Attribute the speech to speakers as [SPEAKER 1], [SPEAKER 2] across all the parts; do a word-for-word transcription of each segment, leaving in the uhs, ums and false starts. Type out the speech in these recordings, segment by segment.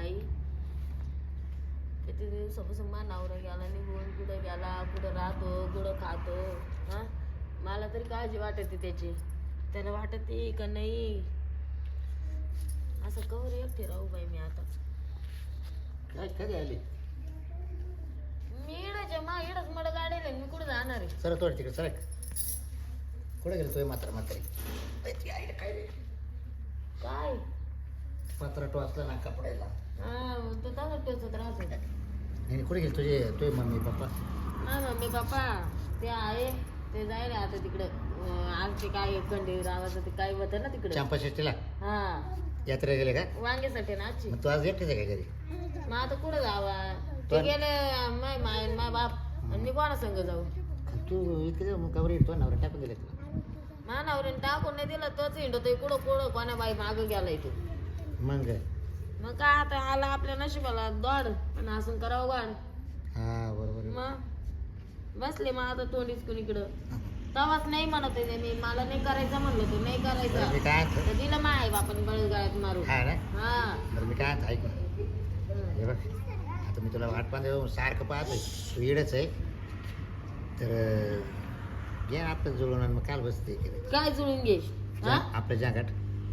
[SPEAKER 1] आई किती दिवसापासून मा नवरा गेला निघून कुठं गेला कुठं राहतो कुठं खातो हा मला तरी काळजी वाटते त्याची त्याला वाटते का नाही असं कवर एकटे राहू बाई मी आता
[SPEAKER 2] काय कधी आली
[SPEAKER 1] मी इडच मा इडच मड गाडीला मी कुठं जाणार आहे
[SPEAKER 2] सर थोडं तिकडे सर कुठे गेलो तो मात्र म्हातारी काय रे
[SPEAKER 1] काय
[SPEAKER 2] पत्र टोचला ना कपड्याला
[SPEAKER 1] हा तो तसा टोचत राहतो
[SPEAKER 2] नाही कुठे गेले तुझे तुझे मम्मी पप्पा
[SPEAKER 1] हा मम्मी पप्पा ते आहे ते जायला आता तिकडं आज ते काय खंडे रावाचं ते काय होतं ना तिकडे
[SPEAKER 2] चंपा षष्टीला
[SPEAKER 1] हा
[SPEAKER 2] यात्रा गेले का
[SPEAKER 1] वांग्यासाठी ना आजची
[SPEAKER 2] मग तू आज एकटेच आहे का घरी
[SPEAKER 1] मग आता कुठं जावा ते गेले माय माय माय बाप आणि मी कोणा संग जाऊ
[SPEAKER 2] तू इकडे कवर तो नवरा टाकून दिले तुला
[SPEAKER 1] मानावरीने टाकून नाही दिलं तोच हिंडतोय कुठं कुठं कोणा बाई मागं गेलाय तू
[SPEAKER 2] मग
[SPEAKER 1] मग काय आता आला आपल्या नशिबाला दौड आणि हसून करावं गाड
[SPEAKER 2] हा बरोबर आहे.
[SPEAKER 1] मग बसले मग आता तोंडीच कुणीकडं तवाच नाही म्हणत आहे मी मला नाही करायचं म्हणलं तू नाही
[SPEAKER 2] बरं, मी
[SPEAKER 1] करायचं
[SPEAKER 2] काय म्हणतो?
[SPEAKER 1] तर दिलं माय बापाने बळगाळ्यात मारू
[SPEAKER 2] हा ना
[SPEAKER 1] हा
[SPEAKER 2] बरं मी काय म्हणतो, ऐक ना हे बघ आता मी तुला वाट पाहतो सारखं पाहतोय तू इडच आहे तर घे आपलं जुळून आणि मग काल बसते इकडे
[SPEAKER 1] काय जुळून घे हा
[SPEAKER 2] आपलं जागाट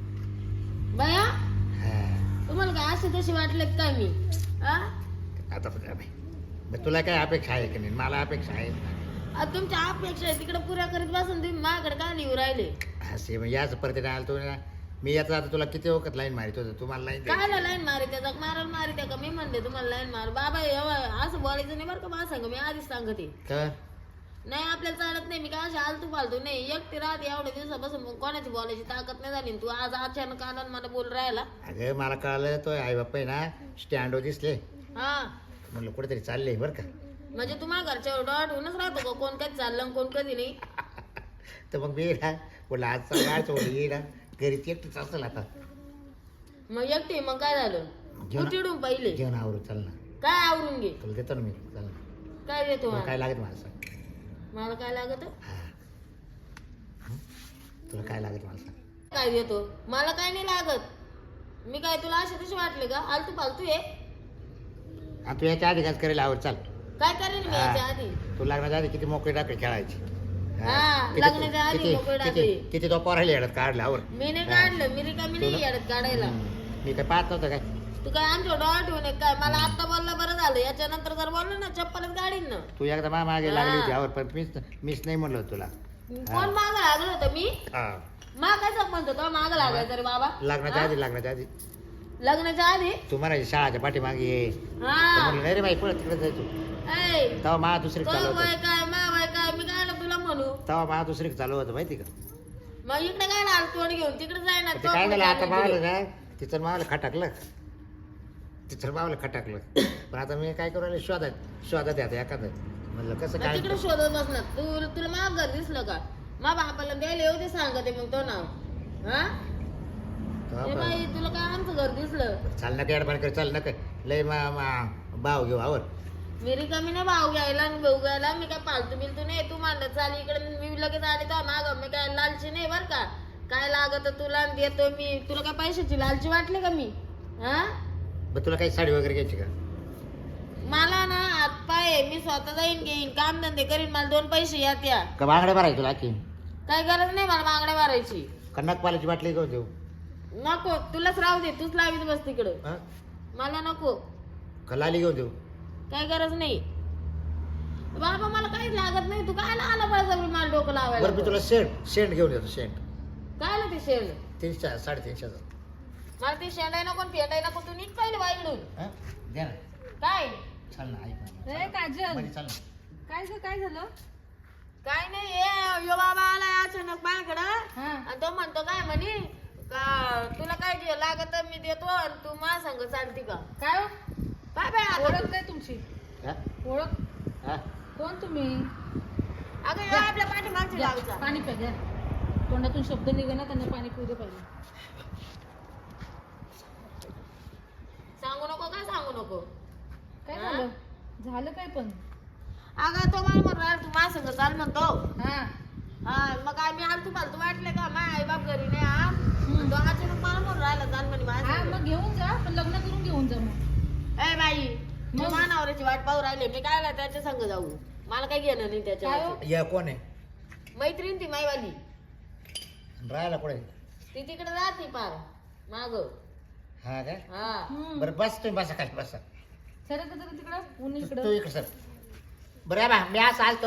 [SPEAKER 1] बया
[SPEAKER 2] हा
[SPEAKER 1] तुम्हाला काय असे तसे वाटले काय मी हा
[SPEAKER 2] आता पण बाई बरं तुला काय अपेक्षा आहे की नाही मला अपेक्षा आहे
[SPEAKER 1] आता तुमच्या अपेक्षा आहे तिकडे पुऱ्या करीत बसून तुम्ही माझ्याकडे काय लिहू राहिले
[SPEAKER 2] असे मग याच परत आला तो ना मी याचा आता तुला किती वखत लाईन मारित होतो तुम्हाला लाईन
[SPEAKER 1] काय लाईन मारी त्याचा मारायला मारी त्या का मी म्हणले तुम्हाला लाईन मार बाबा एवढं असं बोलायचं नाही बरं का मला सांग मी आधीच सांगते
[SPEAKER 2] तर
[SPEAKER 1] नाही आपल्याला चालत नाही मी काय अशी आलतू फालतू नाही एकटी राहते एवढ्या दिवसापासून मग कोणाची बोलायची ताकद नाही झाली तू आज अचानक आला आणि मला बोल राहिला
[SPEAKER 2] अगं मला कळलं तो आई बाप्पा आहे ना स्टँडवर दिसले
[SPEAKER 1] हा
[SPEAKER 2] म्हणलं कुठेतरी चालले बरं का
[SPEAKER 1] म्हणजे तुम्हाला घरच्या डॉट होऊनच राहतो का कोण काही चाललं आणि कोण कधी नाही
[SPEAKER 2] तर मग मी ना बोलला आजचा गाडच बोल ये ना घरी एकटीच असेल आता
[SPEAKER 1] मग एकटी मग काय झालं
[SPEAKER 2] घेऊन-
[SPEAKER 1] तू चिडून पहिले
[SPEAKER 2] जेवण आवरू चल ना
[SPEAKER 1] काय आवरून घे
[SPEAKER 2] तुला देतो ना मी चल ना
[SPEAKER 1] काय देतो
[SPEAKER 2] तुला
[SPEAKER 1] मला?
[SPEAKER 2] काय लागत मला सांग
[SPEAKER 1] मला काय लागत
[SPEAKER 2] हा हं? तुला काय लागत मला सांग
[SPEAKER 1] काय देतो मला काय नाही लागत मी काय तुला असे तसे वाटले का आलतू फालतू आहे
[SPEAKER 2] आणि तू याच्या आधी काय करेल आवड चाल
[SPEAKER 1] काय करेन मी
[SPEAKER 2] हा.
[SPEAKER 1] याच्या आधी
[SPEAKER 2] तू लग्नाच्या आधी किती मोकळी टाकली खेळायची
[SPEAKER 1] हा,
[SPEAKER 2] किती-
[SPEAKER 1] लग्नाच्या आधी
[SPEAKER 2] किती-
[SPEAKER 1] मोकळी
[SPEAKER 2] किती-
[SPEAKER 1] टाकली.
[SPEAKER 2] किती तो पोरायला येडत काढला आवर
[SPEAKER 1] मी नाही
[SPEAKER 2] हा.
[SPEAKER 1] काढलं मी रिकामी नाही
[SPEAKER 2] तुला-
[SPEAKER 1] येडत काढायला
[SPEAKER 2] हं. मी काय पाहत नव्हतं काय
[SPEAKER 1] तू काय आमच्या डोळा ठेवून आहे काय मला आता बोललं बरं झालं याच्या नंतर जर बोललं ना चप्पलच गाडीन ना
[SPEAKER 2] तू एकदा मा मागे लागली होती
[SPEAKER 1] हा.
[SPEAKER 2] आवर पण मीच मीच नाही म्हणलो तुला
[SPEAKER 1] कोण माग लागलं होतं मी
[SPEAKER 2] हा
[SPEAKER 1] मा काय संबंध होता माग लागायचं रे बाबा
[SPEAKER 2] लग्नाच्या
[SPEAKER 1] हा?
[SPEAKER 2] आधी लग्नाच्या आधी
[SPEAKER 1] लग्नाच्या आधी
[SPEAKER 2] तू म्हणायची शाळाच्या पाठीमागे ये तर
[SPEAKER 1] हा
[SPEAKER 2] म्हणलं नाही रे बाई पुढे तिकडे जायचो
[SPEAKER 1] ऐ,
[SPEAKER 2] तेव्हा मा दुसरी
[SPEAKER 1] तो
[SPEAKER 2] चालू
[SPEAKER 1] वय
[SPEAKER 2] होतं
[SPEAKER 1] काय मा वय काय मी काय तुला म्हणू
[SPEAKER 2] तेव्हा मा दुसरी चालू होतं माहिती का
[SPEAKER 1] मग इकडे काय लाल तोंड घेऊन तिकडे जाय ना
[SPEAKER 2] ते काय झालं आता मावलं ना तिचं मावलं खटाकलं तिचं मावलं खटाकलं पण आता मी काय करू राहिले शोधात शोधात आता एखादं म्हणलं कसं काय
[SPEAKER 1] तिकडे शोधत बसणार तू तुला माग घर दिसलं का मा बापाला द्यायला येऊ दे सांगते मग तो नाव हा
[SPEAKER 2] तेव्हा
[SPEAKER 1] ए
[SPEAKER 2] पण-
[SPEAKER 1] बाई तुला काय आमचं घर दिसलं
[SPEAKER 2] चाल नका अडबाण कर चाल नका लय मा मा- भाव घेऊ आवर
[SPEAKER 1] मी रिकामी नाही भाऊ घ्यायला आणि भाऊ घ्यायला मी काय पालतू बिलतू नाही तू म्हणलं चाल इकडे मी लगेच आले तर माग मी काय लालची नाही बर का काय लागत तुला आणि देतो मी तुला काय पैशाची लालची वाटली का मी हा
[SPEAKER 2] बरं तुला काही साडी वगैरे घ्यायची का
[SPEAKER 1] मला ना हात पाय मी स्वतः जाईन घेईन काम धंदे करीन मला दोन पैसे या त्या
[SPEAKER 2] का बांगड्या भरायची तुला की
[SPEAKER 1] काय गरज नाही मला मागण्या मारायची
[SPEAKER 2] कन्नक पाल्याची बाटली घेऊन देऊ
[SPEAKER 1] नको तुलाच राहू दे तूच लावीत बस तिकडं
[SPEAKER 2] हा
[SPEAKER 1] मला नको
[SPEAKER 2] का लाली घेऊन देऊ
[SPEAKER 1] काय गरज नाही बाबा मला काहीच लागत नाही तू काय आला पाहिजे मला डोकं लावायला
[SPEAKER 2] बरं मी तुला शेंट शेंट घेऊन देतो शेंट
[SPEAKER 1] काय आलं ते शेण
[SPEAKER 2] तीनशे साडेतीनशेचा
[SPEAKER 1] मला ते शेंडाय नको फेटाय नको तू नीट पाहिलं बाईकडून
[SPEAKER 2] हा द्या ना
[SPEAKER 1] काय
[SPEAKER 2] चाल ना ऐक ना
[SPEAKER 3] ए काजल
[SPEAKER 2] मध्ये चाल ना
[SPEAKER 3] काय ग काय झालं
[SPEAKER 1] काय नाही ए यो बाबा आला अचानक माझ्याकडं
[SPEAKER 3] हा
[SPEAKER 1] आणि तो म्हणतो काय म्हणे का तुला काय जे लागत मी देतो आणि तू माझ्या संग चालती का
[SPEAKER 3] काय हो?
[SPEAKER 1] काय बाय आता
[SPEAKER 3] ओळख काय तुमची
[SPEAKER 2] हा
[SPEAKER 3] ओळख
[SPEAKER 2] हा
[SPEAKER 3] कोण तुम्ही
[SPEAKER 1] अगं यो आपल्या पाठीमागची
[SPEAKER 3] द्या,
[SPEAKER 1] लावचा
[SPEAKER 3] पाणी प्या द्या तोंडातून शब्द निघे ना त्यांना पाणी पिऊ दे पहिले
[SPEAKER 1] सांगू नको काय सांगू नको
[SPEAKER 3] काय
[SPEAKER 1] हा?
[SPEAKER 3] झालं झालं काय पण
[SPEAKER 1] अगं तो मला म्हणून राहिला, तू माझ्या संग चाल म्हणतो
[SPEAKER 3] हा
[SPEAKER 1] हा मग काय मी आलतू फालतू वाटले का माझ्या आई बाप घरी नाही हा
[SPEAKER 3] हम्म.
[SPEAKER 1] तो अचानक मला म्हणून राहिला चाल म्हणे माझ्या
[SPEAKER 3] हा
[SPEAKER 1] संग.
[SPEAKER 3] मग घेऊन जा पण लग्न करून घेऊन घेऊन जा मग.
[SPEAKER 1] ए बाई मी
[SPEAKER 3] मग?
[SPEAKER 1] मानावराची वाट पाहू राहिले मी काय त्याच्या संग जाऊ मला काय घेणं नाही
[SPEAKER 3] काय
[SPEAKER 1] त्याच्या
[SPEAKER 3] हो?
[SPEAKER 2] या कोण आहे
[SPEAKER 1] मैत्रीण ती माईवाली
[SPEAKER 2] राहायला कुठे
[SPEAKER 1] ती तिकडे राहते पार माग
[SPEAKER 2] हा काय
[SPEAKER 1] हा
[SPEAKER 3] हम्म.
[SPEAKER 2] बरं बस तुम्ही बसा खाली बसा
[SPEAKER 3] सर का तरी तिकडं ऊन
[SPEAKER 2] तू
[SPEAKER 3] इकडं
[SPEAKER 2] तू इकडे सर बरं आहे बा मी असं आलतो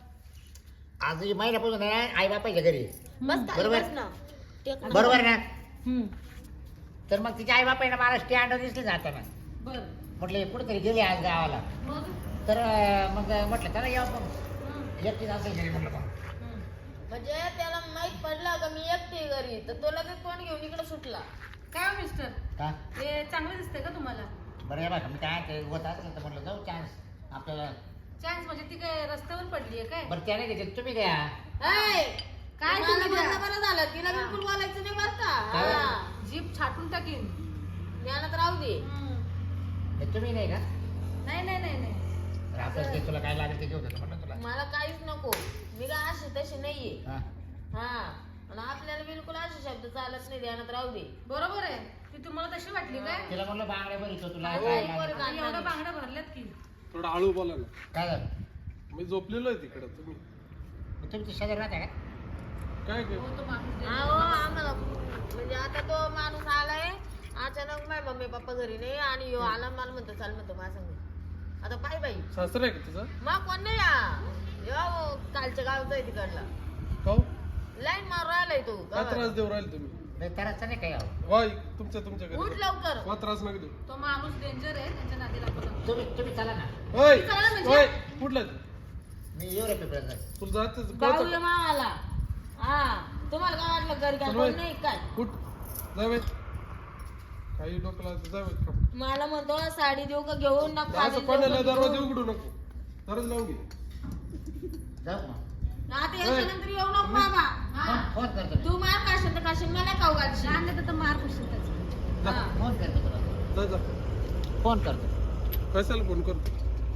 [SPEAKER 2] आज ही महिन्यापासून आहे ना आई बापाच्या घरी
[SPEAKER 1] बस खाली
[SPEAKER 2] बरोबर.
[SPEAKER 1] बस ना टेक ना.
[SPEAKER 2] बरोबर ना
[SPEAKER 3] हम्म.
[SPEAKER 2] तर मग तिच्या आई बापाने मला स्टँड दिसले जाताना
[SPEAKER 3] बर
[SPEAKER 2] म्हटले कुठेतरी गेले आज गावाला
[SPEAKER 3] मग
[SPEAKER 2] तर अं, मग म्हटलं त्याला यावं मग
[SPEAKER 3] हम्म.
[SPEAKER 2] एकटीच असेल घरी म्हटलं मग
[SPEAKER 3] हम्म.
[SPEAKER 1] म्हणजे त्याला माहित पडलं का मी एकटी घरी तर तो लगेच तोंड घेऊन इकडे सुटला
[SPEAKER 3] काय हो मिस्टर
[SPEAKER 2] का
[SPEAKER 3] हे चांगलं दिसतंय का तुम्हाला
[SPEAKER 2] बरं आहे बघा मी काय ते होत असलं तर म्हटलं जाऊ चान्स आपल्याला
[SPEAKER 3] चान्स म्हणजे ती काय रस्त्यावर पडली आहे काय
[SPEAKER 2] बरं त्याने घेतले तुम्ही घ्या
[SPEAKER 1] ऐ,
[SPEAKER 3] काय
[SPEAKER 1] मला
[SPEAKER 3] तुम्ही
[SPEAKER 1] बोलणं
[SPEAKER 3] द्या?
[SPEAKER 1] बरं झालं तिला बिलकुल बोलायचं नाही बरं का
[SPEAKER 2] काय?
[SPEAKER 1] हा.
[SPEAKER 3] जीप छाटून टाकीन
[SPEAKER 1] ज्ञानात राहू दे
[SPEAKER 3] हम्म.
[SPEAKER 2] हे तुम्ही नाही का
[SPEAKER 3] नाही नाही नाही नाही
[SPEAKER 2] तर आपल्याला ते तुला काय लागेल ते घेऊ देतो म्हटलं तुला
[SPEAKER 1] मला काहीच नको मी काय अशी तशी नाहीये
[SPEAKER 2] हा
[SPEAKER 1] हा आणि आपल्याला बिलकुल असे शब्द चालत नाही ध्यानात राहू दे
[SPEAKER 3] बरोबर आहे ती तुम्हाला तशी वाटली काय
[SPEAKER 2] तिला म्हटलं बांगड्या बरी तुला
[SPEAKER 1] हो,
[SPEAKER 2] काय
[SPEAKER 1] बरं
[SPEAKER 2] लागेल
[SPEAKER 1] का?
[SPEAKER 3] आता एवढ्या बांगड्या भरल्यात की
[SPEAKER 4] थोडं हळू बोला ना
[SPEAKER 2] काय झालं
[SPEAKER 4] मी झोपलेलो आहे तिकडं तुम्ही
[SPEAKER 2] मग तुम्ही शेजारी राहता का
[SPEAKER 4] काय काय
[SPEAKER 3] हो तो माणूस दे.
[SPEAKER 1] अहो आम्हाला म्हणजे आता तो माणूस आलाय अचानक माझ्या मम्मी पप्पा घरी नाही आणि ह्यो आला मला म्हणतो चाल म्हणतो माझ्या संग आता पाय बाई
[SPEAKER 4] सासरा आहे का तुझा
[SPEAKER 1] मग कोण नाही या यो कालच्या गावचा आहे तिकडला
[SPEAKER 4] काऊ
[SPEAKER 1] लाईन मारून राहिलाय तो
[SPEAKER 4] काय त्रास देऊ राहिले तुम्ही
[SPEAKER 2] नाही करायचं नाही काय यावं
[SPEAKER 4] वाय तुमच्या तुमच्या
[SPEAKER 1] उठ
[SPEAKER 4] घरी
[SPEAKER 1] लवकर
[SPEAKER 4] वा त्रास नका देऊ
[SPEAKER 3] तो माणूस डेंजर आहे त्यांच्या नादी लागू नका.
[SPEAKER 2] तुम्ही तुम्ही चला ना
[SPEAKER 4] ओय
[SPEAKER 3] चला म्हणजे?
[SPEAKER 4] ओय कुठला
[SPEAKER 2] मी येऊ रे पेपरात
[SPEAKER 4] तुला जात
[SPEAKER 1] जाऊया मामाला हा तुम्हाला काय वाटलं घरी काय
[SPEAKER 4] चल
[SPEAKER 1] कोण
[SPEAKER 4] बाई.
[SPEAKER 1] नाही काय
[SPEAKER 4] कुठ जावे काही डोकला जावे का
[SPEAKER 1] मला म्हणतो साडी देऊ का घेऊन ना
[SPEAKER 4] असं पडलेला दरवाजा उघडू नको दरवाजा लावून घे
[SPEAKER 2] जाऊ मग
[SPEAKER 1] आता याच्यानंतर येऊ नको बाबा हा.
[SPEAKER 2] फोन करतो मी.
[SPEAKER 1] तू मार खाशील तर खाशील मला खाऊ घालशील
[SPEAKER 3] आणलं तर मार कशी त्याचा
[SPEAKER 4] जा
[SPEAKER 2] फोन करतो तुला
[SPEAKER 4] जा जा
[SPEAKER 2] फोन करतो
[SPEAKER 4] कशाला फोन करतो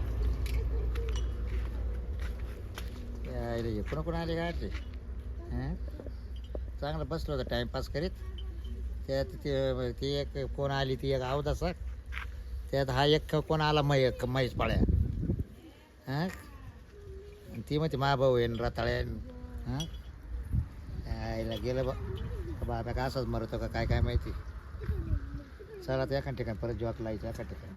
[SPEAKER 2] यायला हे कोण कोण आले काय ते हं? चांगलं बसलो होतं टाइमपास करीत त्यात ते ती एक कोण आली ती एक अवदासा त्यात हा एक कोण आला मै म्हैस पाळ्या हां ती म्हणते मा भाऊ येईन रताळ्या हां यायला गेलं बा बाबा का असंच मरतो का काय काय माहिती चला तर एका ठिकाणी परत जॉक लायचं एका ठिकाणी